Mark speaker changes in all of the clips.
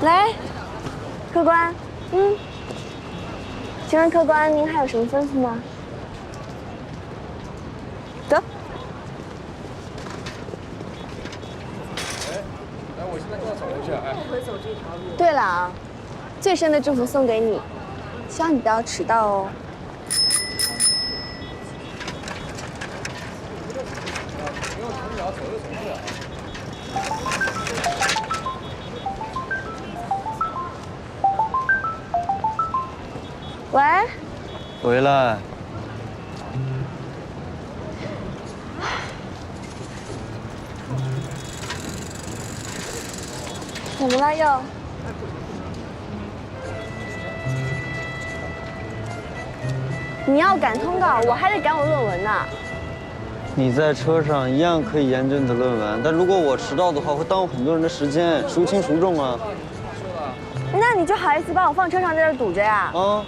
Speaker 1: 来，客官，请问客官您还有什么吩咐吗？得。
Speaker 2: 哎，我现在就要走回去，哎，不会走这条路。
Speaker 1: 对了啊，最深的祝福送给你，希望你不要迟到哦。 喂，
Speaker 3: 回来。
Speaker 1: 怎么了又？你要赶通告，我还得赶我论文呢。
Speaker 3: 你在车上一样可以研究你的论文，但如果我迟到的话，会耽误很多人的时间，孰轻孰重啊？
Speaker 1: 那你就好意思把我放车上在这堵着呀？
Speaker 3: 啊。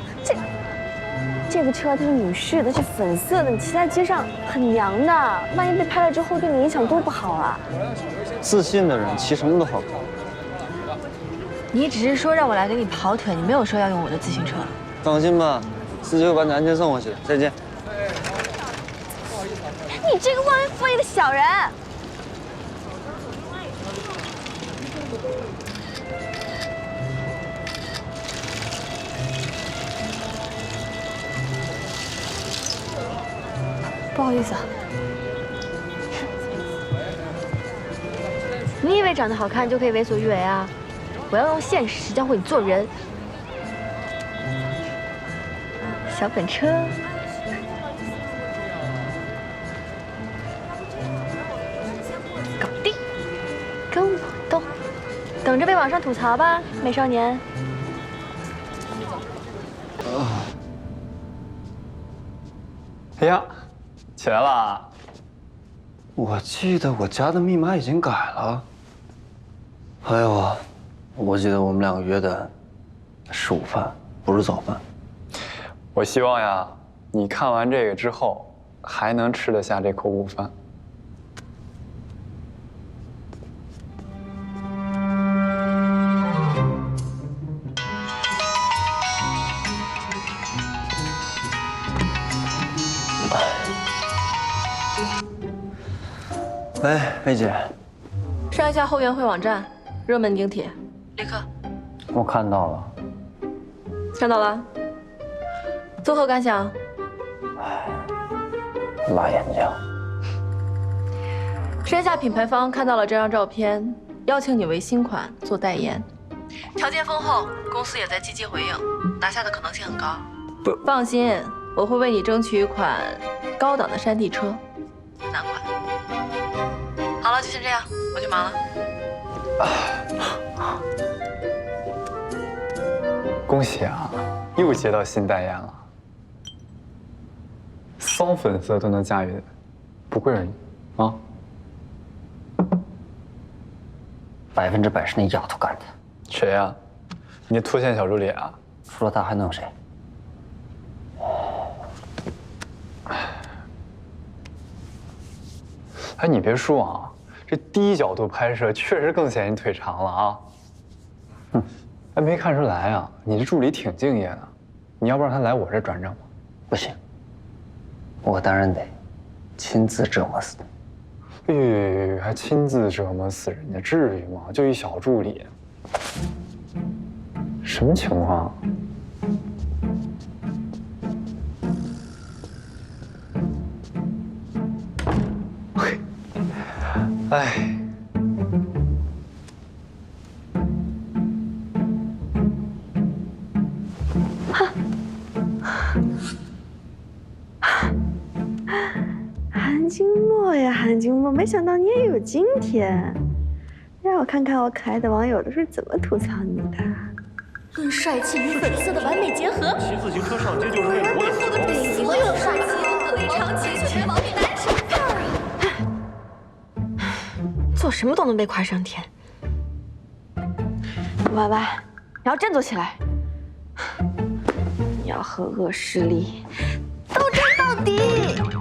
Speaker 1: 这个车它是女士的，是粉色的，你骑在街上很娘的，万一被拍了之后对你影响多不好啊！
Speaker 3: 自信的人骑什么都好看。
Speaker 4: 你只是说让我来给你跑腿，你没有说要用我的自行车。
Speaker 3: 放心吧，司机会把你安全送回去。再见。
Speaker 1: 你这个忘恩负义的小人！
Speaker 4: 不好意思啊。你以为长得好看就可以为所欲为啊？我要用现实教会你做人。小本车，搞定，跟我斗，等着被网上吐槽吧，美少年。
Speaker 5: 哎呀！ 起来啦！
Speaker 3: 我记得我家的密码已经改了。还有啊，我记得我们两个约的是午饭，不是早饭。
Speaker 5: 我希望呀，你看完这个之后还能吃得下这口午饭。
Speaker 3: 喂，薇姐，
Speaker 4: 上一下后援会网站，热门顶帖，立刻。
Speaker 3: 我看到了。
Speaker 4: 看到了。作何感想？
Speaker 3: 辣眼睛。
Speaker 4: 山下品牌方看到了这张照片，邀请你为新款做代言，条件丰厚，公司也在积极回应，拿下的可能性很高。
Speaker 3: 不，
Speaker 4: 放心，我会为你争取一款高档的山地车，男款。好了，就先这样，我去忙了。
Speaker 5: 恭喜啊，又接到新代言了。骚粉色都能驾驭，不愧是你啊
Speaker 6: 100%是那丫头干的。
Speaker 5: 谁呀？你脱线小助理啊？
Speaker 6: 除了她还能有谁？
Speaker 5: 哎，你别说啊，这低角度拍摄确实更显你腿长了啊。哼，哎，没看出来啊，你这助理挺敬业的。你要不让他来我这转正吧？
Speaker 6: 不行，我当然得亲自折磨死他。
Speaker 5: 还亲自折磨死人家，至于吗？就一小助理，什么情况？哎，
Speaker 1: 韩金墨呀，韩金墨，没想到你也有今天。让我看看我可爱的网友都是怎么吐槽你的。
Speaker 7: 论帅气与粉色的完美结合，
Speaker 8: 骑自行车上街就是为了博眼球。
Speaker 7: 所有帅气非常情绪毛病男神范儿啊！
Speaker 1: 做什么都能被夸上天。歪歪，你要振作起来，你要和恶势力斗争到底。